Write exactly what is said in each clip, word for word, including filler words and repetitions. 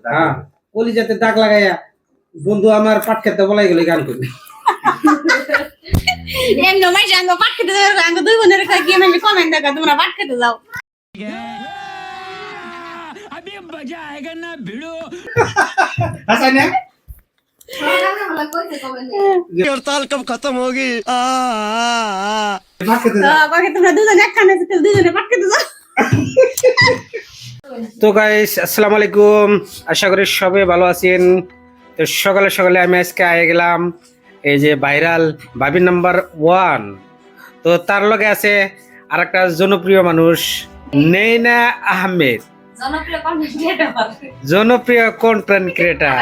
হ্যাঁ কলিজাতে দাগ লাগাইয়া বন্ধু আমার পাট খেতে বলাই গেলে গান করবি এম নমাই জানো পাট খেতে যাও গান দুই বোনের কাছে গিয়ে আমি কমেন্ট দেখা তোমরা পাট খেতে যাও अभी मजा आएगा ना भिड़ो হাসাই না हड़ताल कब खत्म होगी পাট খেতে তো বাকি তোমরা দুজন একখানে আছে দুজনে পাট খেতে যাও তো গাইস আসসালামু আলাইকুম আশা করি সবাই ভালো আছেন তো সকালে সকালে আমি আজকে আয়ে গেলাম এই যে ভাইরাল ভাবি নাম্বার ওয়ান তো তার লগে আছে আরেকটা জনপ্রিয় মানুষ নেইনা আহমেদ জনপ্রিয় কন্টেন্ট ক্রিয়েটর জনপ্রিয় কন্টেন্ট ক্রিয়েটর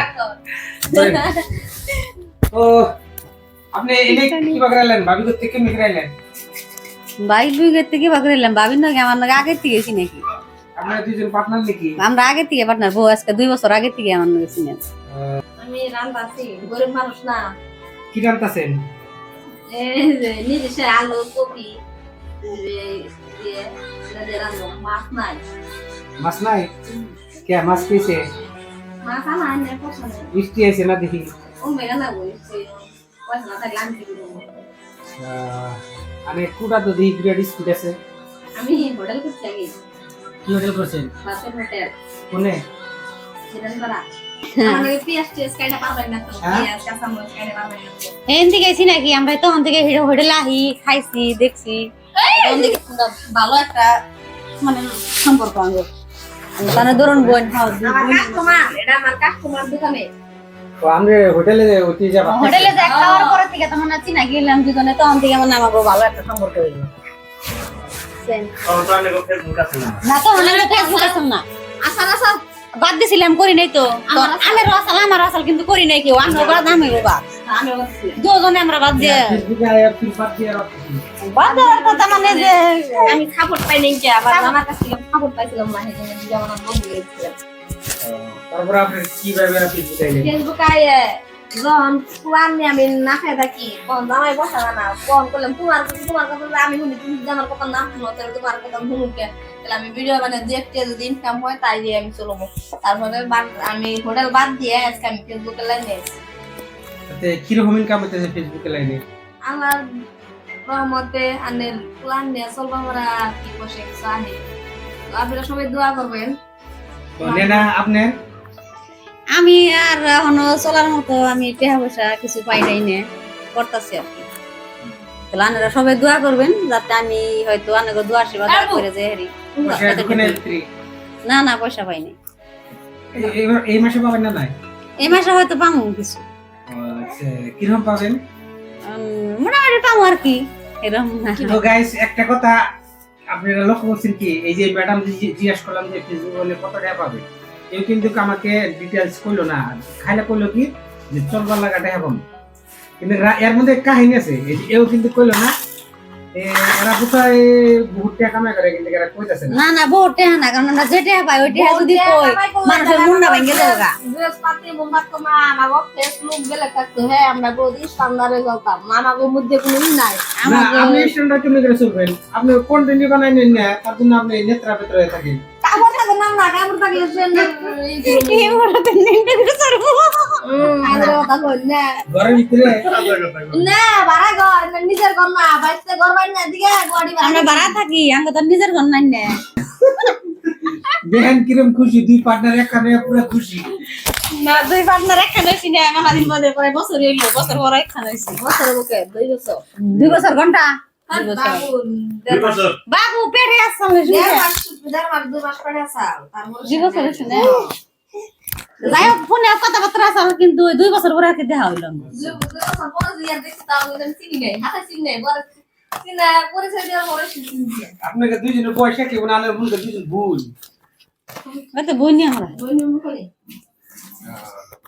তো আপনি এনে কি বাগরাইলেন ভাবি করতে কি মিগরাইলেন বাইক বিগের থেকে বাকরিলাম বাবির নাকি আমার নাকি আগে থেকে গেছি নাকি আপনারা দুইজন পার্টনার নাকি আমরা আগে থেকে পার্টনার বউ আজকে দুই বছর আগে থেকে আমার নাকি চিনেন আমি রান্নাছি গরিব মানুষ না কি রান্তাছেন এই যে নিজে সে আলু কপি দিয়ে রান্না মাছ নাই মাছ নাই কে মাছ পেয়েছে মাছ আনা আনে পছন্দ বৃষ্টি আছে না দেখি ও মেগা না বলছে পয়সা না থাকলে আমি কি করবো আরে কুড়া তো দেখি গ্রেড স্পিড আছে আমি হোটেল করতে আগে কি হোটেল করছেন বাসের হোটেল কোনে সেটা করা আমার পিএস টেস কাইটা পারবেন না তো পিএস কাঁচামরিচ কাইটা পারবেন না এন থেকে গেছি নাকি আমরা তখন থেকে হোটেলে আহি খাইছি দেখছি তখন থেকে ভালো একটা মানে সম্পর্ক আমাদের তাহলে ধরুন বোন খাও আমার কাস্টমার এটা আমার কাস্টমার দোকানে তো আমরা হোটেলে উঠে যাব হোটেলে যাই খাওয়ার পরে থেকে তখন আছি না গেলাম দুজনে তখন থেকে আমার আমাকে ভালো একটা সম্পর্ক হইলো না তো অনেক ফেসবুক আছে না আচ্ছা আচ্ছা বাদ দিছিলাম করি নাই তো আমি রসাল আমার রসাল কিন্তু করি নাই কেউ আমি বাদ আমি বাদ আমি বলছি দুজনে আমরা বাদ দিয়ে ফেসবুকে আয়া ফিল পাট দিয়ে রাখছি বাদ দেওয়ার কথা মানে যে আমি সাপোর্ট পাই নাই কি আবার আমার কাছ থেকে সাপোর্ট পাইছিলাম না সেজন্য যেমন আমি বন্ধু গেছিলাম তারপর আপনি কিভাবে ফেসবুকে আইলেন ফেসবুক আয়ে যখন পুরান নিয়ে আমি না খেয়ে থাকি কোন জামাই বসা না কোন করলাম তোমার তোমার কথা আমি শুনি তুমি যদি আমার কথা না শুনো তাহলে তোমার কথা শুনুকে তাহলে আমি ভিডিও মানে দেখতে যদি ইনকাম হয় তাই দিয়ে আমি চলবো তারপরে আমি হোটেল বাদ দিয়ে আজকে আমি ফেসবুকে লাইনে তাতে কি রকম ইনকাম হইতেছে ফেসবুকে লাইনে আমার রহমতে আনের প্ল্যান নিয়ে চলবো আমরা কি বসে চাহে তো আপনারা সবাই দোয়া করবেন তো নেনা আপনি আমি আর এখনো চলার মতো আমি টাকা পয়সা কিছু পাই নাই নে করতেছি আর কি তাহলে আপনারা সবাই দোয়া করবেন যাতে আমি হয়তো অনেক দোয়া আশীর্বাদ করে যে হেরি না না পয়সা পাই নাই এই মাসে পাবেন না নাই এই মাসে হয়তো পাবো কিছু আচ্ছা কি রকম পাবেন মোটামুটি পাবো আর কি এরকম না তো গাইস একটা কথা আপনারা লক্ষ্য করছেন কি এই যে ম্যাডাম জিজ্ঞাসা করলাম যে ফেসবুক হলে কত টাকা পাবে কেউ কিন্তু আমাকে ডিটেলস কইলো না খাইলে কইলো কি যে চলবার লাগা টাকা পাবো কিন্তু এর মধ্যে কাহিনী আছে এও কিন্তু কইলো না এরা কোথায় বহুত টাকা কামাই করে কিন্তু এরা কইতাছে না না না বহুত টাকা না কারণ আমরা যে টাকা পাই ওই টাকা যদি কই মানুষের মন না ভেঙে যাবে গা বৃহস্পতি মোমবাতি মা আমাগো ফেসবুক গেলে থাকতো হ্যাঁ আমরা বদি স্ট্যান্ডার্ডে যাতাম আমাগো মধ্যে কোনো ই নাই না আপনি স্ট্যান্ডার্ড কেমনে করে চলবেন আপনি কন্টেন্ট বানাই নেন না তার জন্য আপনি নেত্রা পেত্রা থাকেন কামড় থাকে না না কামড় থাকলে এই বড়তে নিতে করে সরবো আরে কথা কই না ঘরের ভিতরে না বাড়া ঘর নিজের ঘর না বাইতে ঘর বাড়ি না দিকে গাড়ি আমরা বাড়া থাকি আমরা তো নিজের ঘর নাই না দেখেন কিরম খুশি দুই পার্টনার একখানে পুরো খুশি না দুই পার্টনার একখানে হইছি না আমার দিন মধ্যে পরে বছর হইলো বছর পরে একখানে হইছি বছর বুকে দুই বছর দুই বছর ঘন্টা দুই বছর বাবু পেটে আসছে দেড় মাস দেড় মাস দুই মাস পরে আসাল তারপর দুই বছর হইছে না যাই হোক ফোনে কথাবার্তা আছে কিন্তু দুই বছর পরে আর কি দেখা হইলো দুই বছর পরে ইয়ার দেখতে তাও আমি চিনি নাই হাতে চিনি নাই বড় চিনা পরিচয় দেওয়ার পরে চিনি আপনাকে দুইজনের বয়স একই মানে আনার ভুল দুইজন ভুল তো বইনি আমরা দুই নম্বর করে